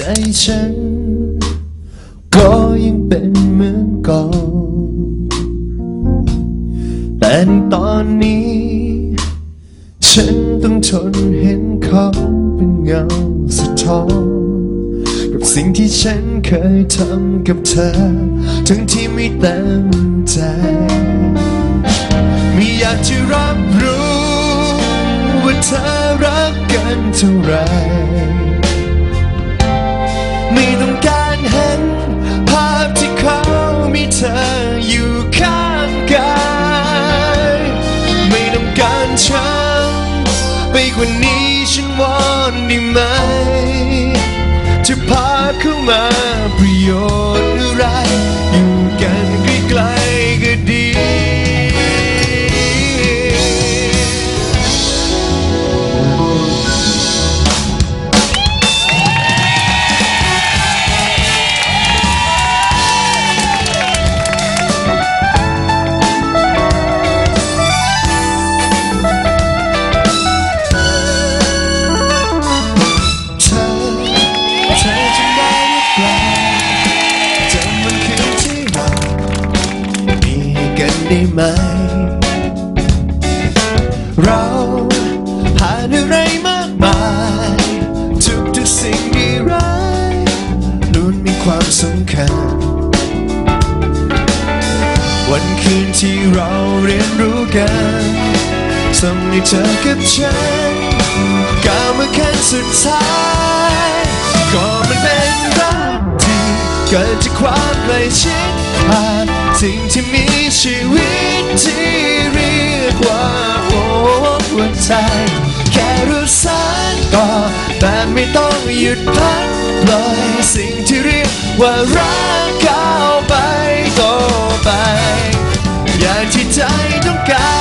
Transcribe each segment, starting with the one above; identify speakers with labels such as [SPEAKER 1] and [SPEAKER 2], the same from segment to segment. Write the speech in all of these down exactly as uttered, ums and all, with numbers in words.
[SPEAKER 1] ฉันก็ยังเป็นเหมือนก่อนแต่ในตอนนี้ฉันต้องทนเห็นเขาเป็นเงาสะท้อนกับสิ่งที่ฉันเคยทำกับเธอทั้งที่ไม่เต็มใจไม่อยากจะรับรู้ว่าเธอรักกันเท่าไรไม่ต้องการเห็นภาพที่เขามีเธออยู่ข้างกายไม่ต้องการฉันไปกว่านี้ฉันวอนได้ไหมจะพาเข้ามาประโยชน์อะไรอยู่กันใกล้ๆก็ดีได้ไหมเราผ่านอะไรมากมายทุกทุกสิ่งดีร้ายล้วนมีความสำคัญวันคืนที่เราเรียนรู้กันส่งให้เธอกับฉันก้าวมาขั้นสุดท้ายก็มันเป็นรักที่เกิดจากความใกล้ชิดผ่านสิ่งที่มีชีวิตที่เรียกว่าหัวใจแค่รู้สานต่อแต่ไม่ต้องหยุดพักปล่อยสิ่งที่เรียกว่ารักก้าวไปต่อไปอย่างที่ใจต้องการ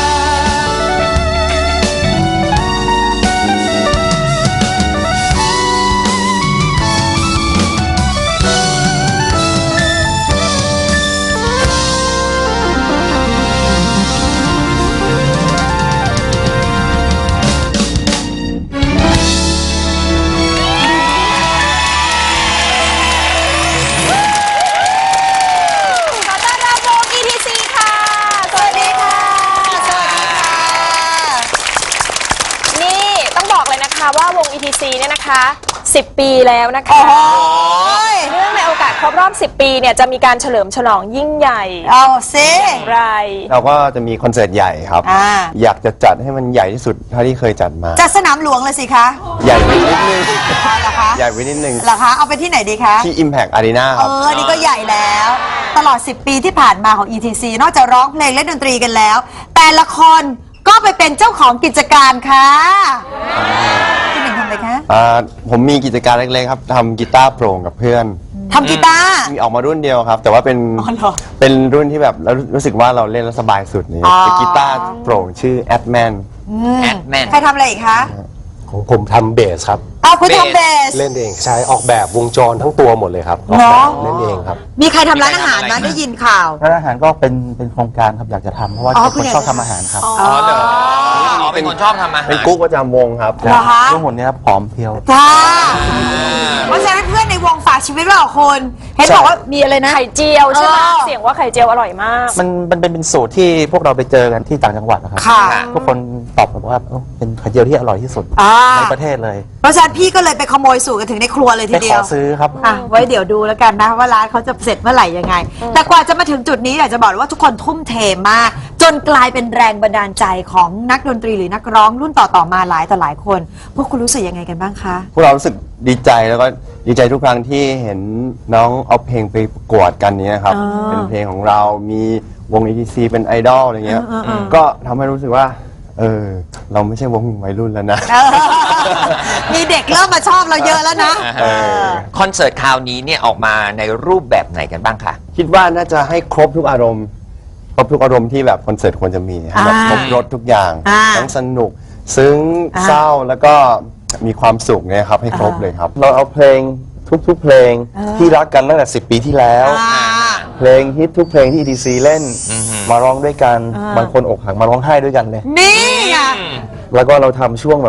[SPEAKER 2] ว่าวง อี ที ซี เนี่ยนะคะสิบปีแล้วนะคะเนื่องในโอกาสครบรอบสิบปีเนี่ยจะมีการเฉลิมฉลองยิ่งใหญ่
[SPEAKER 3] เอาซิ
[SPEAKER 2] อย่างไร
[SPEAKER 4] เราก็จะมีคอนเสิร์ตใหญ่ครับออยากจะจัดให้มันใหญ่ที่สุดเท่าที่เคยจัดมา
[SPEAKER 3] จัดสนามหลวงเลยสิคะ
[SPEAKER 4] ใหญ่ไปนิดนึงเหรอคะใหญ่ไปนิดนึง
[SPEAKER 3] เหรอคะเอาไปที่ไหนดีคะ
[SPEAKER 4] ที่ Impact Arena ครับ
[SPEAKER 3] เออนี่ก็ใหญ่แล้วตลอดสิบปีที่ผ่านมาของ อี ที ซี นอกจากร้องเพลงเล่นดนตรีกันแล้วแต่ละคนก็ไปเป็นเจ้าของกิจการค่ะพี่หนึ่งทำอะไรคะ
[SPEAKER 4] ผมมีกิจการเล็กๆครับทำกีตาร์โปร่งกับเพื่อน
[SPEAKER 3] ทำกีตาร์
[SPEAKER 4] มีออกมารุ่นเดียวครับแต่ว่าเป็นเป็นรุ่นที่แบบเรารู้สึกว่าเราเล่นแล้วสบายสุดนี่เป็นกีตาร์โปร่งชื่อ Adman
[SPEAKER 3] Adman ใครทำอะไรอีกคะ
[SPEAKER 5] ของผมทำเบสครับ
[SPEAKER 3] อ้าวคุณทำเบส
[SPEAKER 5] เล่นเองใช้ออกแบบวงจรทั้งตัวหมดเลยครับออกแบบเล่นเองครับ
[SPEAKER 3] มีใครทำร้านอาหารนะได้ยินข่าว
[SPEAKER 6] ร้านอาหารก็เป็นเป็นโครงการครับอยากจะทำเพราะว่าเป็นคนชอบทำอาหารครับ
[SPEAKER 7] อ๋อเหรออ๋อเป็นคนชอบทำอาหาร
[SPEAKER 4] เป็นกุ๊กประจำวงครับ
[SPEAKER 6] ทุกคนนี้ครับผอมเพียว
[SPEAKER 3] จ้าเพราะฉะนั้นเพื่อนในวงฝากชีวิตเราคนเห็นบอกว่ามีอะไรนะ
[SPEAKER 2] ไข่เจียวใช่ไหมเสียงว่าไข่เจียวอร่อยมาก
[SPEAKER 6] มันมันเป็นเป็นสูตรที่พวกเราไปเจอกันที่ต่างจังหวัดนะครับทุกคนตอบว่าเป็นไข่เจียวที่อร่อยที่สุดในประเทศเลย
[SPEAKER 3] เพราะฉะนั้นพี่ก็เลยไปขโมยสูตรกันถึงในครัวเลยทีเดียว
[SPEAKER 6] ไปขอซื้อครับ
[SPEAKER 3] ไว้เดี๋ยวดูแล้วกันนะว่าร้านเขาจะเสร็จเมื่อไหร่ยังไงแต่กว่าจะมาถึงจุดนี้อยากจะบอกว่าทุกคนทุ่มเทมากจนกลายเป็นแรงบันดาลใจของนักดนตรีหรือนักร้องรุ่นต่อๆมาหลายต่อหลายคนพวกคุณรู้สึกยังไงกันบ้างคะ
[SPEAKER 4] พวกเรารู้สึกดีใจแล้วก็ดีใจทุกครั้งที่เห็นน้องเอาเพลงไปประกวดกันนี้ครับเป็นเพลงของเรามีวง อี ที ซี เป็นไอดอลอะไรเงี้ยก็ทำให้รู้สึกว่าเออเราไม่ใช่วงวัยรุ่นแล้วนะ
[SPEAKER 3] มีเด็กเริ่มมาชอบเราเยอะแล้วนะ
[SPEAKER 7] คอนเสิร์ตคราวนี้เนี่ยออกมาในรูปแบบไหนกันบ้างคะ
[SPEAKER 4] คิดว่าน่าจะให้ครบทุกอารมณ์ครบทุกอารมณ์ที่แบบคอนเสิร์ตควรจะมีแบบครบรสทุกอย่างทั้งสนุกซึ้งเศร้าแล้วก็มีความสุขเนี่ยครับให้ครบเลยครับเราเอาเพลงทุกๆเพลงที่รักกันตั้งแต่สิบปีที่แล้วเพลงฮิตทุกเพลงที่ อี ที ซี เล่นมาร้องด้วยกันบางคนอกหักมาร้องไห้ด้วยกันเลย
[SPEAKER 3] นี่ไง
[SPEAKER 5] แล้วก็เราทำช่วงแบบ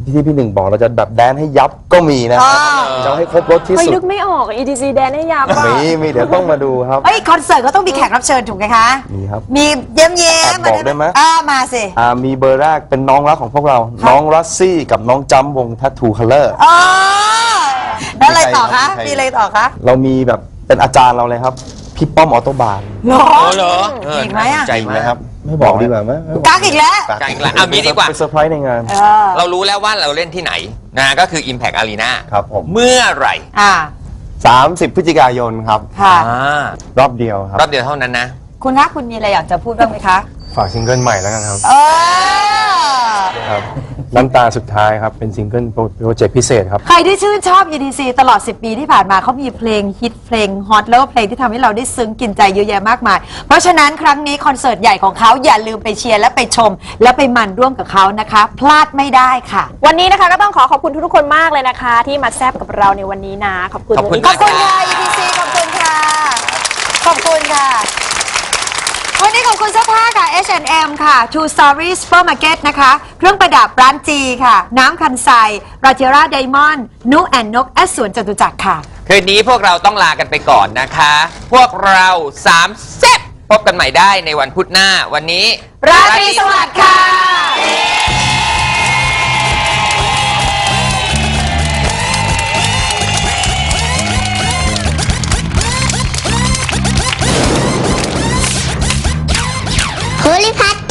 [SPEAKER 6] ที่พี่หนึ่งบอกเราจะแบบแดนให้ยับก็มีนะครับจะเอาให้ครบรถที่
[SPEAKER 2] เฮ้ย
[SPEAKER 6] สุด
[SPEAKER 2] นึกไม่ออก อี ที ซี แดนให้ยับอะ
[SPEAKER 6] มีมีเดี๋ยวต้องมาดูครับ
[SPEAKER 3] เอ้ยคอนเสิร์ตก็ต้องมีแขกรับเชิญถูกไหมคะ
[SPEAKER 6] มีครับ
[SPEAKER 3] มีเย้มเย้
[SPEAKER 6] แอบ
[SPEAKER 3] ม
[SPEAKER 6] บอกได้ไหม
[SPEAKER 3] อ่ามาสิ
[SPEAKER 6] อ่ามีเบอร์แรกเป็นน้องรักของพวกเรา น้องรัสซี่กับน้องจัมวงทัตทูคัลเลอร์
[SPEAKER 3] อ๋อแล้วอะไรต่อคะ
[SPEAKER 4] มีใคร
[SPEAKER 3] มีอะไรต่อคะ
[SPEAKER 6] เรามีแบบเป็นอาจารย์เราเลยครับ พี่ป้อมออโตบาน
[SPEAKER 3] หรอ
[SPEAKER 7] โอ้เหรอเออ
[SPEAKER 3] อีกไหมอะ
[SPEAKER 7] น่าสนใจ
[SPEAKER 4] จริง
[SPEAKER 7] มา
[SPEAKER 4] ไหม
[SPEAKER 7] ก
[SPEAKER 4] ครับ
[SPEAKER 6] ไม่บอกดีกว่าไหม
[SPEAKER 3] กักอีกแล้ว
[SPEAKER 7] กลางอีกแล้วเอางี้ดีกว่า
[SPEAKER 6] ไปเซอร์ไพรส์ในงาน
[SPEAKER 3] เออ
[SPEAKER 7] เรารู้แล้วว่าเราเล่นที่ไหนนะก็คือ Impact Arena
[SPEAKER 4] ครับผม
[SPEAKER 7] เมื่อไหร่
[SPEAKER 3] อ่า
[SPEAKER 4] สามสิบพฤศจิกายนครับ
[SPEAKER 3] ค่ะ
[SPEAKER 7] อ่าร
[SPEAKER 4] อบเดียวครับ
[SPEAKER 7] รอบเดียวเท่านั้นนะ
[SPEAKER 3] คุณคะคุณมีอะไรอยากจะพูดบ้างไหมคะ
[SPEAKER 1] ฝากซิงเกิลใหม่แล้วกันครับ
[SPEAKER 3] เออ
[SPEAKER 1] ครับน้ำตาสุดท้ายครับ เป็นซิงเกิลโปรเจกต์พิเศษครับ
[SPEAKER 3] ใครที่ชื่นชอบ อี ที ซี ตลอด สิบ ปีที่ผ่านมาเขามีเพลงฮิตเพลงฮอตแล้วก็เพลงที่ทำให้เราได้ซึ้งกินใจเยอะแยะมากมาย เพราะฉะนั้นครั้งนี้คอนเสิร์ตใหญ่ของเขาอย่าลืมไปเชียร์และไปชม และไปมันร่วมกับเขานะคะ พลาดไม่ได้ค่ะ
[SPEAKER 2] วันนี้นะคะก็ต้องขอขอบคุณทุกๆคนมากเลยนะคะ ที่มาแซบกับเราในวันนี้นะ ขอบคุณ
[SPEAKER 7] ขอบคุณ
[SPEAKER 3] ขอบคุณค่ะ อี ที ซี ขอบคุณค่ะ ขอบคุณค่ะ วันนี้ขอบคุณเสื้อผ้าค่ะ เอช แอนด์ เอ็ม ค่ะ True Story Supermarket นะคะ เครื่องประดับร้านจีค่ะ น้ำคันไซราเจราไดมอนด์นุแอนนกแอสสวนจตุจักรค่ะ
[SPEAKER 7] คืนนี้พวกเราต้องลากันไปก่อนนะคะ พวกเราสามแซ่บพบกันใหม่ได้ในวันพุธหน้า วันนี้
[SPEAKER 3] ราตรีสวัสดิ์ค่ะ
[SPEAKER 8] ภูริพัฒน์